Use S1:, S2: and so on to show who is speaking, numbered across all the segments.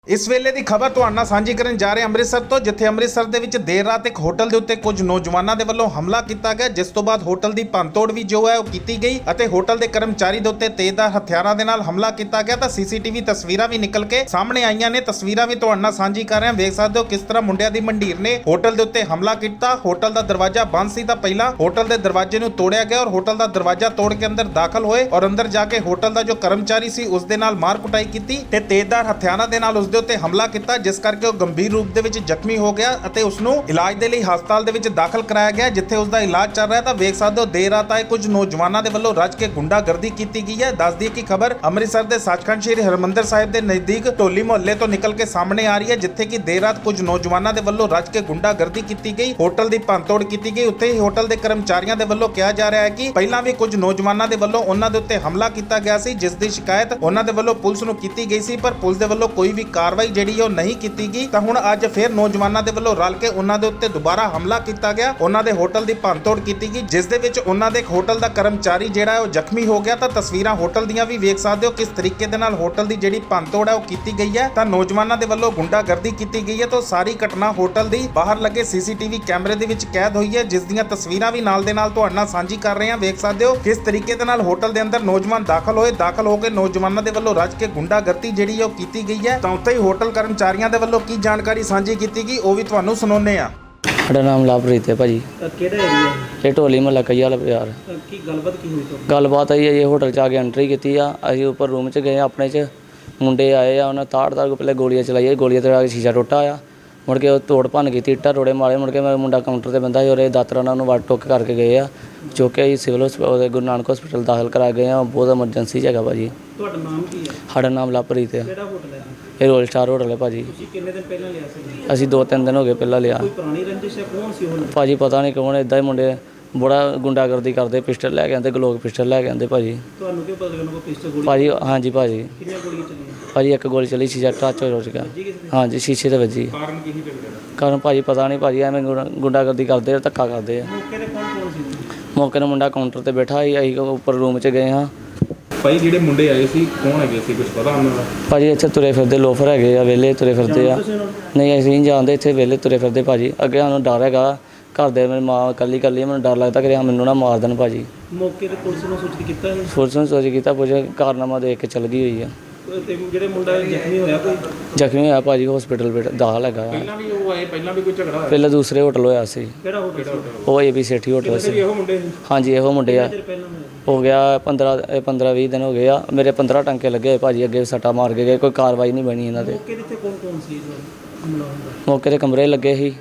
S1: इस वेले की खबर तुहाडे नाल सांझी करन जा रहे अमृतसर तो जिथे अमृतसर दे विच देर रात एक होटल के उत्ते कुछ नौजवानों के वल्लों हमला किया गया, जिस तो बाद होटल की भंनतोड़ भी जो है वो की गई अते होटल के कर्मचारी के उत्ते तेजधार हथियारों के नाल हमला किया गया। तो सीसीटीवी तस्वीरां भी निकल के सामने आईयां ने, तस्वीरां भी तुहाडे नाल सांझी कर रहे हैं। वेख सकते हो किस तरह मुंडियां दी मंडीर ने होटल के उत्ते हमला किया। होटल का दरवाजा बंद सी, पहला होटल के दरवाजे नूं तोड़िया गया और होटल का दरवाजा तोड़ के अंदर दाखिल होए और अंदर जाके होटल का जो कर्मचारी सी उसदे नाल मार कुटाई की ते तेजधार हथियारों के नाल उसदे उत्ते हमला किया, जिस करके वो गंभीर रूप दे विच जख्मी हो गया अते उसनूं इलाज दे लई हस्पताल दे विच दाखिल कराया गया, जिथे उसका इलाज चल रहा है। तो वेख सकते हो देर रात आए कुछ नौजवानों के वल्लों रज के गुंडागर्दी की गई है। दस दी की खबर अमृतसर के सचखंड श्री हरमंदिर साहिब के नजदीक ढोली मुहल्ले तो निकल के सामने आ रही है, जिथे कि देर रात कुछ नौजवानों के वल्लों रज के गुंडागर्दी की गई, होटल की भंनतोड़ की गई। उत्थे ही होटल के कर्मचारियों के वल्लों कहा जा रहा है कि पहला भी कुछ नौजवानों के वल्लों उन्हां दे उत्ते हमला किया गया सी, जिस दी शिकायत उन्हां दे वल्लों पुलिस नूं कीती गई सी, पर पुलिस दे वल्लों कोई भी कार्रवाई जिहड़ी है नहीं की गई। तो हुण अज फिर नौजवानों के वल्लों रल के उन्हां दे उत्ते दोबारा हमला किया गया, उन्हां दे होटल की भंनतोड़ की गई, जिस दे विच उन्हां दे एक होटल का कर्मचारी जिहड़ा है वो जख्मी हो गया। तो तस्वीरां होटल दीयां भी वेख सकते हो किस तरीके दे नाल होटल की जिहड़ी भंनतोड़ है वो की गई है। तो नौजवानों के वल्लों गुंडागर्दी की गई है। तो सारी घटना होटल की बाहर लगे सीसीटीवी कैमरे दे विच कैद हुई है, जिस दीयां तस्वीरां भी नाल दे नाल तुहाडे नाल सांझी कर रहे हैं। वेख सकते हो किस तरीके दे नाल होटल के अंदर नौजवान दाखिल होकर नौजवानों के वल्लों रज के गुंडागर्दी जिहड़ी है वो की गई है। तो उत्ते ही होटल कर्मचारियों के वल्लों की जानकारी सांझी की गई वो भी तुहानूं सुणाउने आ।
S2: साडा नाम लवप्रीत है भाजी।
S3: ਕਿਹੜਾ ਏਰੀਆ ਹੈ
S2: ये ढोली महला कई वाला बाजार।
S3: ਕੀ ਗੱਲਬਾਤ ਕੀ ਹੋਈ ਤੁਹਾਡੀ?
S2: गलबात आई है ये होटल च आके एंट्री की आ, असीं उपर रूम च गए अपने च, मुंडे आए आ उन्हें ताड़ को पहले गोलियां चलाई, गोलियां चला के शीशा टुटा आ, मुड़ के तोड़ भन की इट्टा रोड़े मारे, मुड़ के मुंडा काउंटर से बंदा और दातरा नाल वड़ टुक करके गए आ, चुक के सिविल हस्पताल गुरु नानक हस्पिटल दाखिल करा गए हैं। बहुत एमरजेंसी जगह भाजी।
S3: ਤੁਹਾਡਾ ਨਾਮ ਕੀ ਹੈ?
S2: साडा नाम लवप्रीत है।
S3: ਕਿਹੜਾ ਹੋਟਲ ਹੈ?
S2: ये रोयल स्टार होटल है भाजी।
S3: ਤੁਸੀਂ ਕਿੰਨੇ ਦਿਨ ਪਹਿਲਾਂ ਲਿਆ ਸੀ?
S2: असीं 2-3 दिन हो गए पहला लिया
S3: ਕੋਈ ਪੁਰਾਣੀ ਰੰਜਿਸ਼ ਹੈ? ਕੌਣ ਸੀ ਉਹ?
S2: भाजी पता नहीं कौन, इदा ही मुंडे बड़ा गुंडागर्दी करते, पिस्टल लैके आते, ग्लोक पिस्टल लैके आते भाजी।
S3: ਤੁਹਾਨੂੰ ਕਿਉਂ ਪਤਾ ਲੱਗਣਾ ਕੋਈ ਪਿਸਟਲ ਗੋਲੀ?
S2: भाजी हाँ जी भाजी,
S3: ਕਿੰਨੀਆਂ ਗੋਲੀਆਂ ਚੱਲੀਆਂ?
S2: भाजी एक गोली चली, शीशा टच हो चुका। हाँ जी शीशे से वजी।
S3: ਕਾਰਨ ਕੀ ਹੀ ਲੱਗਦਾ?
S2: कारण भाजी पता नहीं भाजी, एवें गुंडागर्दी करते धक्का करते हैं।
S3: ਮੌਕੇ ਤੇ ਕੌਣ ਸੀ?
S2: मौके ने मुंडा काउंटर ते बैठा ही, असीं उपर रूम च गए हाँ।
S4: ਭਾਈ ਜਿਹੜੇ ਮੁੰਡੇ ਆਏ ਸੀ ਕੌਣ ਹੈਗੇ ਸੀ, ਕੁਝ ਪਤਾ ਉਹਨਾਂ ਦਾ?
S2: भाजी इत्थे तुरे फिरदे लोफर हैगे आ, वेले तुरे फिरदे आ।
S3: ਤੁਸੀਂ ਉਹਨਾਂ ਨੂੰ?
S2: नहीं असीं नहीं जानते, इत्थे वेले तुरे फिरदे भाजी। अगे सानूं डर हैगा, घर दे मेरी माँ कल्ली मैनूं डर लगदा कि मैनूं ना मार देण भाजी।
S3: ਮੌਕੇ ਤੇ ਪੁਲਿਸ ਨੂੰ ਸੂਚਿਤ ਕੀਤਾ ਹੈ?
S2: पुलिस ने सोच कीता, पुलिस कारनामा देख के चल गई हुई है।
S3: ਤੇ ਜਿਹੜੇ ਮੁੰਡਾ ਜ਼ਖਮੀ ਹੋਇਆ ਕੋਈ?
S2: ਜ਼ਖਮੀ ਹੋਇਆ ਭਾਜੀ ਹਸਪੀਟਲ ਦਾਖਲ ਹੈਗਾ।
S4: ਪਹਿਲਾਂ ਵੀ ਉਹ ਆਏ, ਪਹਿਲਾਂ ਵੀ ਕੋਈ ਝਗੜਾ ਹੋਇਆ?
S2: ਪਹਿਲਾਂ ਦੂਸਰੇ ਹੋਟਲ ਹੋਇਆ ਸੀ,
S3: ਕਿਹੜਾ ਹੋਟਲ ਸੀ?
S2: ਉਹ ਏਬੀ ਸੇਠੀ ਹੋਟਲ ਸੀ।
S4: ਇਹੋ ਮੁੰਡੇ ਸੀ?
S2: ਹਾਂਜੀ ਇਹੋ ਮੁੰਡੇ ਆ।
S3: ਚਿਰ ਪਹਿਲਾਂ ਹੋਇਆ?
S2: ਹੋ ਗਿਆ 15-20 ਦਿਨ ਹੋ ਗਏ ਆ। ਮੇਰੇ 15 ਟੰਕੇ ਲੱਗੇ ਹੋਏ ਭਾਜੀ, ਅੱਗੇ ਸੱਟਾ ਮਾਰ ਕੇ ਗਏ, ਕੋਈ ਕਾਰਵਾਈ ਨਹੀਂ ਬਣੀ ਇਹਨਾਂ ਤੇ।
S3: ਮੌਕੇ ਤੇ ਕੌਣ ਸੀ ਜੋ ਹਮਲਾ ਹੋਇਆ?
S2: ਮੌਕੇ ਤੇ ਕਮਰੇ ਲੱਗੇ ਸੀ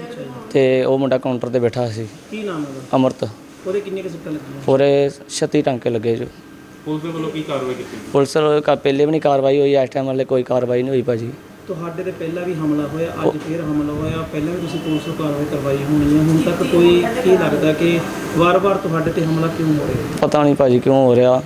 S2: ਤੇ ਉਹ ਮੁੰਡਾ ਕਾਊਂਟਰ ਤੇ ਬੈਠਾ ਸੀ,
S3: ਕੀ ਨਾਮ ਹੈ ਉਹਦਾ?
S2: ਅਮਰਤ।
S3: ਉਹਦੇ ਕਿੰਨੇ ਕੁ ਸੱਟਾਂ ਲੱਗੀਆਂ?
S2: ਪੂਰੇ 36 ਟੰਕੇ ਲੱਗੇ ਜੋ।
S4: ਪੁਲਿਸ ਦੇ ਵੱਲੋਂ ਕੀ ਕਾਰਵਾਈ ਕੀਤੀ?
S2: ਪੁਲਿਸ ਪਹਿਲੇ ਵੀ ਨਹੀਂ ਕਾਰਵਾਈ ਹੋਈ, ਇਸ ਟਾਈਮ ਵਾਲੇ ਕੋਈ ਕਾਰਵਾਈ ਨਹੀਂ ਹੋਈ ਭਾਜੀ।
S3: ਤੁਹਾਡੇ ਤੇ ਪਹਿਲਾਂ ਵੀ ਹਮਲਾ ਹੋਇਆ, ਅੱਜ ਫੇਰ ਹਮਲਾ ਹੋਇਆ, ਪਹਿਲਾਂ ਵੀ ਤੁਸੀਂ ਪੁਲਿਸ ਨੂੰ ਕਾਰਵਾਈ ਕਰਵਾਈ ਹੋਣੀ ਹੈ, ਹੁਣ ਤੱਕ ਕੋਈ ਕੀ ਲੱਗਦਾ ਕਿ ਵਾਰ-ਵਾਰ ਤੁਹਾਡੇ ਤੇ ਹਮਲਾ ਕਿਉਂ ਹੋ ਰਿਹਾ?
S2: ਪਤਾ ਨਹੀਂ ਭਾਜੀ ਕਿਉਂ ਹੋ ਰਿਹਾ।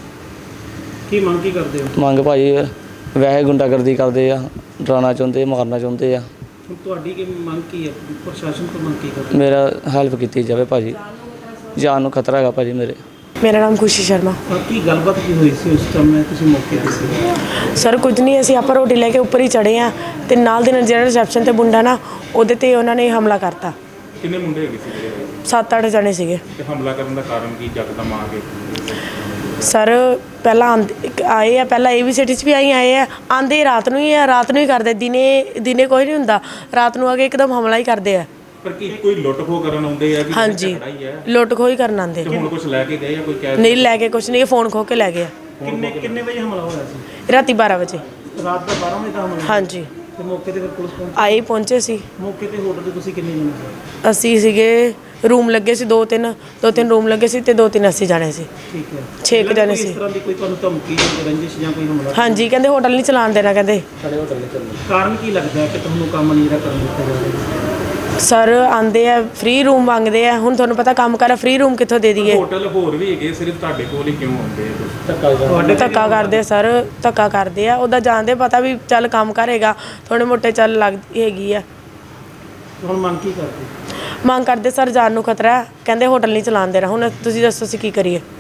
S3: ਕੀ ਮੰਗ ਕੀ ਕਰਦੇ ਹੋ?
S2: ਮੰਗ ਭਾਜੀ ਵੈਸੇ ਗੁੰਡਾਗਰਦੀ ਕਰਦੇ ਆ, ਡਰਾਉਣਾ ਚਾਹੁੰਦੇ, ਮਾਰਨਾ ਚਾਹੁੰਦੇ ਆ।
S3: ਹੁਣ ਤੁਹਾਡੀ ਕੀ ਮੰਗ ਕੀ ਹੈ? ਪ੍ਰਸ਼ਾਸਨ ਤੋਂ ਮੰਗ ਕੀ ਕਰਦੇ ਹੋ?
S2: ਮੇਰਾ ਹੈਲਪ ਕੀਤੀ ਜਾਵੇ ਭਾਜੀ, ਜਾਨ ਨੂੰ ਖਤਰਾ ਹੈਗਾ ਭਾਜੀ ਮੇਰੇ।
S5: ਮੇਰਾ ਨਾਮ ਖੁਸ਼ੀ ਸ਼ਰਮਾ।
S3: ਕੀ ਗੱਲਬਾਤ ਕੀ ਹੋਈ ਸੀ ਉਸ ਸਮੇਂ ਤੁਸੀਂ ਮੌਕੇ ਤੇ ਸੀ?
S5: ਸਰ ਕੁਝ ਨਹੀਂ, ਅਸੀਂ ਆਪਾਂ ਰੋਟੀ ਲੈ ਕੇ ਉੱਪਰ ਹੀ ਚੜ੍ਹੇ ਆ ਤੇ ਨਾਲ ਦੇ ਨਾਲ ਜਿਹੜਾ ਰਿਸੈਪਸ਼ਨ ਤੇ ਮੁੰਡਾ ਨਾ ਉਹਦੇ ਤੇ ਉਹਨਾਂ ਨੇ ਹਮਲਾ ਕਰਤਾ।
S4: ਕਿੰਨੇ ਮੁੰਡੇ ਹੈਗੇ ਸੀ ਜਿਹੜੇ?
S5: 7-8 ਜਣੇ ਸੀਗੇ।
S4: ਤੇ ਹਮਲਾ ਕਰਨ ਦਾ ਕਾਰਨ ਕੀ ਯਕਦਮ ਆ ਕੇ?
S5: ਸਰ ਪਹਿਲਾਂ ਆਏ ਆ, ਪਹਿਲਾਂ ਏਵੀ ਸਿਟੀ 'ਚ ਵੀ ਆਏ ਆ, ਆਂਦੇ ਰਾਤ ਨੂੰ ਹੀ ਆ, ਰਾਤ ਨੂੰ ਹੀ ਕਰਦੇ, ਦਿਨੇ ਕੋਈ ਨਹੀਂ ਹੁੰਦਾ, ਰਾਤ ਨੂੰ ਆ ਕੇ ਇੱਕਦਮ ਹਮਲਾ ਹੀ ਕਰਦੇ ਆ।
S4: ਪਰ ਕੀ ਕੋਈ ਲੁੱਟ ਖੋਹ ਕਰਨ ਆਉਂਦੇ ਆ ਕਿ
S5: ਹਾਂਜੀ
S4: ਝਗੜਾ ਹੀ ਹੈ?
S5: ਲੁੱਟ ਖੋਹ ਹੀ ਕਰਨ ਆਉਂਦੇ।
S4: ਤੇ ਹੁਣ ਕੁਝ ਲੈ ਕੇ ਗਏ ਜਾਂ ਕੋਈ ਕੈਸ਼?
S5: ਨਹੀਂ ਲੈ ਕੇ ਕੁਝ ਨਹੀਂ, ਫੋਨ ਖੋ ਕੇ ਲੈ ਗਏ ਆ।
S3: ਕਿੰਨੇ ਵਜੇ ਹਮਲਾ ਹੋਇਆ ਸੀ?
S5: ਰਾਤੀ 12 ਵਜੇ।
S3: ਰਾਤ ਦਾ 12 ਵਜੇ ਦਾ ਹਮਲਾ?
S5: ਹਾਂਜੀ
S3: ਤੇ ਮੌਕੇ ਤੇ ਫਿਰ ਪੁਲਿਸ ਪਹੁੰਚੀ?
S5: ਪਹੁੰਚੇ ਸੀ।
S3: ਮੌਕੇ ਤੇ ਹੋਟਲ ਤੇ ਤੁਸੀਂ ਕਿੰਨੇ ਜਣੇ ਸੀ?
S5: ਅਸੀਂ ਸੀਗੇ, ਰੂਮ ਲੱਗੇ ਸੀ 2-3 ਰੂਮ ਲੱਗੇ ਸੀ ਤੇ 2-3 ਅਸੀਂ ਜਾਣੇ ਸੀ।
S3: ਠੀਕ ਹੈ।
S5: 6 ਜਣੇ ਸੀ।
S3: ਇਸ ਤਰ੍ਹਾਂ ਦੀ ਕੋਈ ਤੁਹਾਨੂੰ ਧਮਕੀ ਜਾਂ ਰੰਜਿਸ਼ ਜਾਂ ਕੋਈ ਹਮਲਾ?
S5: ਹਾਂਜੀ ਕਹਿੰਦੇ ਹੋਟਲ ਨਹੀਂ ਚਲਾਉਣ ਦੇਣਾ, ਕਹਿੰਦੇ
S3: ਕਾਰਨ ਕੀ ਲੱਗਦਾ ਹੈ ਕਿ ਤੁਹਾਨੂੰ ਕੰਮ ਨਹੀਂ ਜਿਹੜਾ ਕਰਨ ਦਿੱਤਾ ਜਾ ਰਿਹਾ?
S5: ਸਰ ਆਂਦੇ ਆ ਫ੍ਰੀ ਰੂਮ ਮੰਗਦੇ ਆ, ਹੁਣ ਤੁਹਾਨੂੰ ਪਤਾ ਕੰਮ ਕਰ ਫ੍ਰੀ ਰੂਮ ਕਿੱਥੋਂ ਦੇ ਦਈਏ।
S4: ਹੋਟਲ ਹੋਰ ਵੀ ਹੈਗੇ, ਸਿਰਫ ਤੁਹਾਡੇ ਕੋਲ ਹੀ ਕਿਉਂ ਆਉਂਦੇ ਆ?
S5: ਧੱਕਾ ਕਰਦੇ ਸਰ, ਧੱਕਾ ਕਰਦੇ ਆ। ਉਹਦਾ ਜਾਣਦੇ ਪਤਾ ਵੀ ਚੱਲ ਕੰਮ ਕਰੇਗਾ, ਥੋੜੇ ਮੋਟੇ ਚੱਲ ਲੱਗਦੀ ਹੈਗੀ ਆ।
S3: ਹੁਣ ਮੰਗ ਕੀ ਕਰਦੇ?
S5: ਮੰਗ ਕਰਦੇ ਸਰ ਜਾਨ ਨੂੰ ਖਤਰਾ ਹੈ, ਕਹਿੰਦੇ ਹੋਟਲ ਨਹੀਂ ਚਲਾਉਣ ਦੇਣਾ। ਹੁਣ ਤੁਸੀਂ ਦੱਸੋ ਅਸੀਂ ਕੀ ਕਰੀਏ?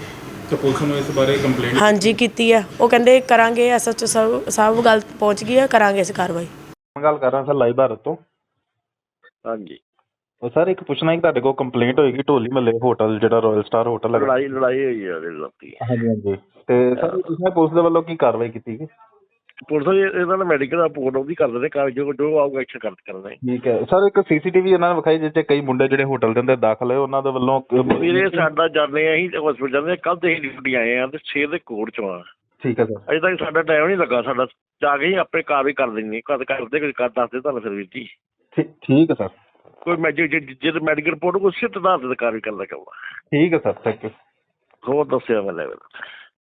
S4: ਤੇ ਪੁਲਿਸ ਨੂੰ ਇਸ ਬਾਰੇ ਕੰਪਲੇਂਟ
S5: ਹਾਂਜੀ ਕੀਤੀ ਆ, ਉਹ ਕਹਿੰਦੇ ਕਰਾਂਗੇ, ਐਸਐਚਓ ਸਾਹਿਬ ਗੱਲ ਪਹੁੰਚ ਗਈ ਆ, ਕਰਾਂਗੇ ਅਸੀਂ ਕਾਰਵਾਈ।
S6: ਗੱਲ ਕਰ ਰਿਹਾ ਸਰ ਲਾਈਵ ਭਾਰਤ ਤੋਂ।
S7: ਹਾਂਜੀ,
S6: ਉਹ ਸਰ ਇੱਕ ਪੁੱਛਣਾ ਕਿ ਤੁਹਾਡੇ ਕੋਲ ਕੰਪਲੇਂਟ ਹੋਏਗੀ ਢੋਲੀ ਮਹੱਲੇ ਹੋਟਲ ਜਿਹੜਾ ਰਾਇਲ ਸਟਾਰ ਹੋਟਲ ਹੈਗਾ।
S7: ਲੜਾਈ ਹੋਈ ਹੈ ਉਹਦੇ ਰਾਤੀ।
S6: ਹਾਂਜੀ ਹਾਂਜੀ। ਤੇ ਸਰ ਤੁਸੀਂ ਪੁਲਿਸ ਦੇ ਵੱਲੋਂ ਕੀ ਕਾਰਵਾਈ ਕੀਤੀ ਗਈ?
S7: ਪੁਲਿਸ ਇਹਨਾਂ ਦਾ ਮੈਡੀਕਲ ਰਿਪੋਰਟ ਉਹਦੀ ਕਰਦੇ ਨੇ, ਜੋ ਆਊਗਾ ਐਕਸ਼ਨ ਕਰਦੇ।
S6: ਠੀਕ ਹੈ ਸਰ। ਇੱਕ ਸੀਸੀਟੀਵੀ ਇਹਨਾਂ ਨੇ ਵਿਖਾਈ ਜਿਸ 'ਚ ਕਈ ਮੁੰਡੇ ਜਿਹੜੇ ਹੋਟਲ ਦੇ ਅੰਦਰ ਦਾਖਲ ਹੋਏ ਉਹਨਾਂ ਦੇ ਵੱਲੋਂ
S7: ਵੀਰੇ ਸਾਡਾ ਜਾਂਦੇ ਆ, ਅਸੀਂ ਹਸਪੀਟਲ ਜਾਂਦੇ, ਕੱਲ ਤੇ ਅਸੀਂ ਡਿਊਟੀ ਆਏ ਆ ਤੇ 6 ਦੇ ਕੋਰਟ ਚੋਂ ਆ।
S6: ਠੀਕ ਹੈ ਸਰ।
S7: ਅਜੇ ਤੱਕ ਸਾਡਾ ਟਾਈਮ ਨਹੀਂ ਲੱਗਾ, ਸਾਡਾ ਜਾ ਕੇ ਹੀ ਆਪੇ ਕਾਰਵਾਈ ਕਰ ਦਿੰਦੇ ਕਰਦੇ ਕੁਝ ਕਰ ਦੱਸਦੇ ਤੁਹਾਨੂੰ ਫਿਰ ਵੀਰ ਜੀ।
S6: ਠੀਕ ਹੈ ਸਰ।
S7: ਕੋਈ ਜੇ ਮੈਡੀਕਲ ਰਿਪੋਰਟ ਕੋਈ ਸਿੱਧ ਆਧਾਰ ਤੇ ਕਾਰਵਾਈ ਕਰਦਾ।
S6: ਠੀਕ ਹੈ ਸਰ, ਥੈਂਕ ਯੂ।
S7: ਹੋਰ ਦੱਸਿਆ ਮੈਂ ਲੈਵਲ